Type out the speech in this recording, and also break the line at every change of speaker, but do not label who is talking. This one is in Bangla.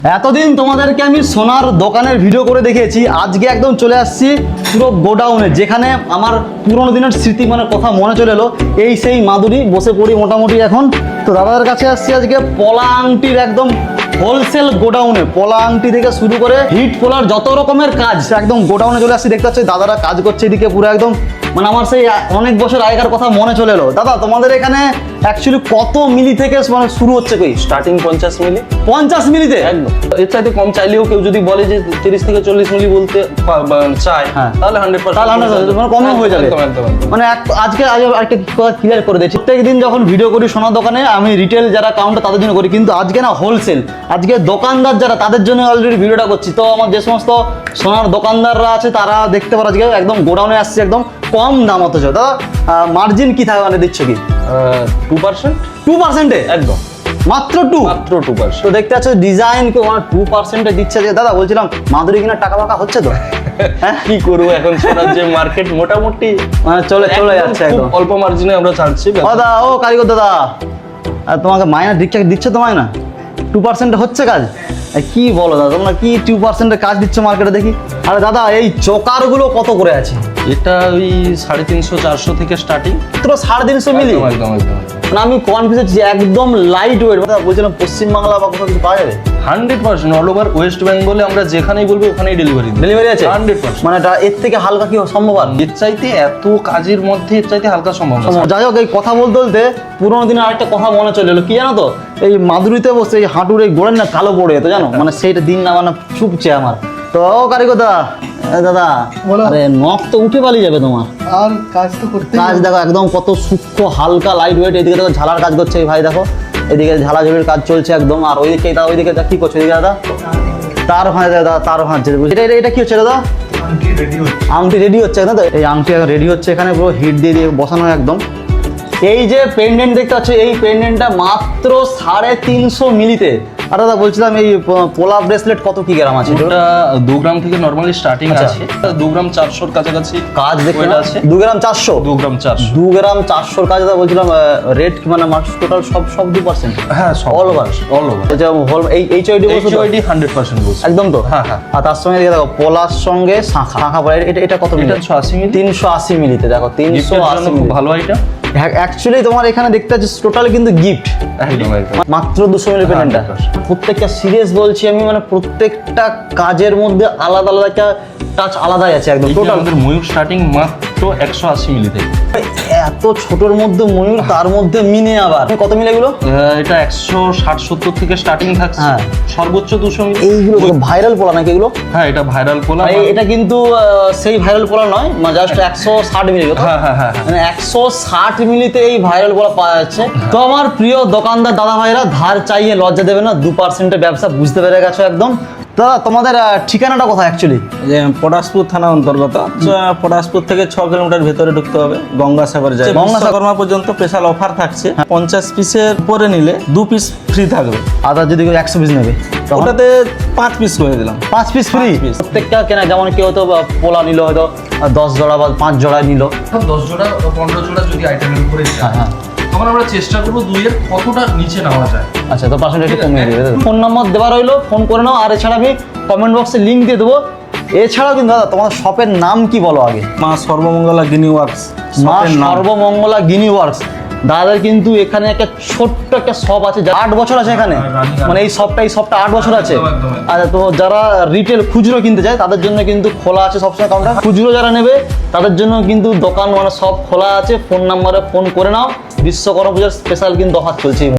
এতদিন তোমাদেরকে আমি সোনার দোকানের ভিডিও করে দেখিয়েছি, আজকে একদম চলে আসছি পুরো গোডাউনে, যেখানে আমার পুরোনো দিনের স্মৃতি মানে কথা মনে চলে এলো। এই সেই মাদুরি বসে পড়ি মোটামুটি এখন। তো দাদাদের কাছে আসছি আজকে পলা আংটির একদম হোলসেল গোডাউনে। পলা আংটি থেকে শুরু করে হিট পোলার যত রকমের কাজ একদম গোডাউনে চলে আসছি। দেখতে পাচ্ছি দাদারা কাজ করছে এদিকে পুরো একদম, মানে আমার সেই অনেক বছর আগেকার কথা মনে চলে এলো। দাদা তোমাদের এখানে অ্যাকচুয়ালি কত মিলি থেকে মানে শুরু হচ্ছে? কই
স্টার্টিং 50 মিলি।
50 মিলিতে?
একদম। এর চাইতে কম চাইলেও কেউ যদি বলে যে 30 থেকে 40 মিলি বলতে চায়,
হ্যাঁ।
তাহলে 100%
তাহলে 100% মানে কমও হয়ে যাবে।
একদম।
মানে আজকে একটা কথা ক্লিয়ার করে দিচ্ছি, প্রত্যেকদিন যখন ভিডিও করি সোনার দোকানে আমি রিটেল যারা কাউন্টার তাদের জন্য করি, কিন্তু আজকে না হোলসেল, আজকে দোকানদার যারা তাদের জন্য অলরেডি ভিডিওটা করছি। তো আমার যে সমস্ত সোনার দোকানদাররা আছে তারা দেখতে পারো আজকে একদম গোডাউনে আসছে একদম কম দাম। অথচ দাদা মার্জিন কি থাকে মানে দিচ্ছ কি?
2%।
2%-এ?
একদম,
মাত্র
2%।
তো দেখতে পাচ্ছ ডিজাইন 2%-এ দিচ্ছে। যে দাদা বলছিলাম মাদুরি কিনা টাকা ফাঁকা হচ্ছে তো?
হ্যাঁ, কি করবো এখন, সোনার যে মার্কেট মোটামুটি
মানে চলে যাচ্ছে একদম
অল্প মার্জিনে আমরা ছাড়ছি।
দাদা ও কারিগর দাদা, আর তোমাকে মাইনা ঠিকঠাক দিচ্ছে তো? মাইনা 2% হচ্ছে কাজ? কি বলো দাদা, তোমরা কি 2%-এর কাজ দিচ্ছ মার্কেটে দেখি? আরে দাদা এই চোকারগুলো কত করে আছে?
এটা ওই 350-400 থেকে স্টার্টিং।
মাত্র 350 মিলি?
একদম।
মানে আমি কনফিউজ, একদম লাইট ওয়েট। বলছিলাম পশ্চিমবাংলা বা কোথাও কিছু পাওয়া যাবে?
100% অল ওভার ওয়েস্ট বেঙ্গলে আমরা যেখানেই বলবো ওখানেই
ডেলিভারি আছে
100%।
মানে এটা এর থেকে হালকা কি সম্ভব? আর
এর চাইতে এত কাজের মধ্যে এর চাইতে হালকা সম্ভব না।
যাই হোক, এই কথা বলতে বলতে পুরোনো দিনের আরেকটা কথা মনে চলে এলো। কি জানো তো, এই মাদুরিতে বসে এই হাঁটুর এই গোড়ের না কালো পড়ে যেত জানো, মানে সেইটা দিন না মানে চুপছে আমার। তো কারিগর দাদা, দাদা আরে নখ তো উঠে পালিয়ে যাবে তোমার।
আর কাজ তো করতে
কাজ দেখো একদম কত সূক্ষ্ম হালকা লাইট ওয়েট। এদিকে দেখো ঝালার কাজ করছে এই ভাই, দেখো এদিকে ঝালাঝুলির কাজ চলছে একদম। আর ওইদিকে ওইদিকে কি করছে এদিকে দাদা? তার ভাঁজছে দাদা, তার ভাঁজছে। এটা কি হচ্ছে দাদা? আংটি রেডি হচ্ছে না তো? এই আংটি রেডি হচ্ছে এখানে পুরো হিট দিয়ে বসানো একদম। এই যে পেন্ডেন্ট দেখতে পাচ্ছ, এই পেন্ডেন্টটা মাত্র 350 মিলিতে। আর দাদা বলছিলাম এই পোলা ব্রেসলেট কত কি গ্রাম আছে?
এটা 2 গ্রাম থেকে নরমালি স্টার্টিং আছে। 2 গ্রাম 400 এর কাছাকাছি
কাজ দেখতে আছে।
2
গ্রাম 400?
2 গ্রাম 400।
2 গ্রাম 400 কাজ দাদা বলছিলাম রেট মানে টোটাল সব 2%?
হ্যাঁ,
অল ওভার।
এটা
হোল এই এইচআইডি
100% বলছি।
একদম তো?
হ্যাঁ।
আর তার সঙ্গে দেখো পোলার সঙ্গে শাখা পড়ে। এটা কত মিলি?
380 মিলি।
380 মিলিতে দেখো 380
খুব
মিলি।
ভালো আইটেম।
অ্যাকচুয়ালি তোমার এখানে দেখতে পাচ্ছি টোটাল কিন্তু গিফট
একদম।
মাত্র 200 মিলি পেন্ডেন্টটা। প্রত্যেকটা সিরিয়াস বলছি আমি, মানে প্রত্যেকটা কাজের মধ্যে আলাদা আলাদা একটা টাচ আলাদাই আছে একদম। টোটাল
আমাদের ময়ূর স্টার্টিং মাত্র 180 মিলি থেকে।
এত ছোটর মধ্যে ময়ূর, তার মধ্যে মিনে আবার কত মিলি এগুলো?
এটা 160-70 থেকে স্টার্টিং থাকছে।
হ্যাঁ।
সর্বোচ্চ 200 মিলি।
এইগুলো ভাইরাল পোলা নাকি এগুলো?
হ্যাঁ, এটা ভাইরাল পোলা।
এটা কিন্তু সেই ভাইরাল পোলা নয়, মানে জাস্ট 160 মিলি।
হ্যাঁ।
মানে 160 মিলিতে এই ভাইরাল পোলা পাওয়া যাচ্ছে। তো আমার প্রিয় দোকানদার দাদা ভাইরা, ধার চাইয়ে লজ্জা দেবে না, 2%-এর ব্যবসা বুঝতে পেরে গেছো একদম। দাদা তোমাদের ঠিকানাটা কোথায় অ্যাকচুয়ালি?
যে পটাশপুর থানা অন্তর্গত। পটাশপুর থেকে 6 কিলোমিটার ভেতরে ঢুকতে হবে, গঙ্গাসাগর যায়। গঙ্গাসাগর পর্যন্ত স্পেশাল অফার থাকছে। 50 পিসের উপরে নিলে 2 পিস ফ্রি থাকবে।
আদার যদি কেউ 100 পিস নেবে
ওটাতে 5 পিস করে দিলাম।
5 পিস ফ্রি?
5 piece।
প্রত্যেকটা কেনা, যেমন কেউ তো পোলা নিল হয়তো 10 জোড়া বা 5 জোড়া নিল।
10 জোড়া 15 জোড়া যদি আইটেমের উপরে যায়,
হ্যাঁ।
তখন আমরা চেষ্টা করবো 2-এর কতটা নিচে নেওয়া যায়।
আচ্ছা, তো পার্সেন্ট একটু কমিয়ে দেবে। ফোন নম্বর দেওয়া রইলো, ফোন করে নাও। আর এছাড়া আমি কমেন্ট বক্সে লিঙ্ক দিয়ে দেবো। এছাড়াও কিন্তু দাদা তোমার শপের নাম কি বলো আগে?
মা সর্বমঙ্গলা গিনি ওয়ার্কস।
মা সর্বমঙ্গলা গিনি ওয়ার্কস। দাদার কিন্তু এখানে একটা ছোট্ট একটা শপ আছে, 8 বছর আছে এখানে। মানে এই শপটা 8 বছর আছে।
একদম।
আচ্ছা, তো যারা রিটেল খুচরো কিনতে চায় তাদের জন্য কিন্তু খোলা আছে সবসময় কাউন্টার। খুচরো যারা নেবে তাদের জন্য কিন্তু দোকান মানে সব খোলা আছে। ফোন নাম্বারে ফোন করে নাও। বিশ্বকর্মা পূজার স্পেশাল কিন্তু অফার চলছে।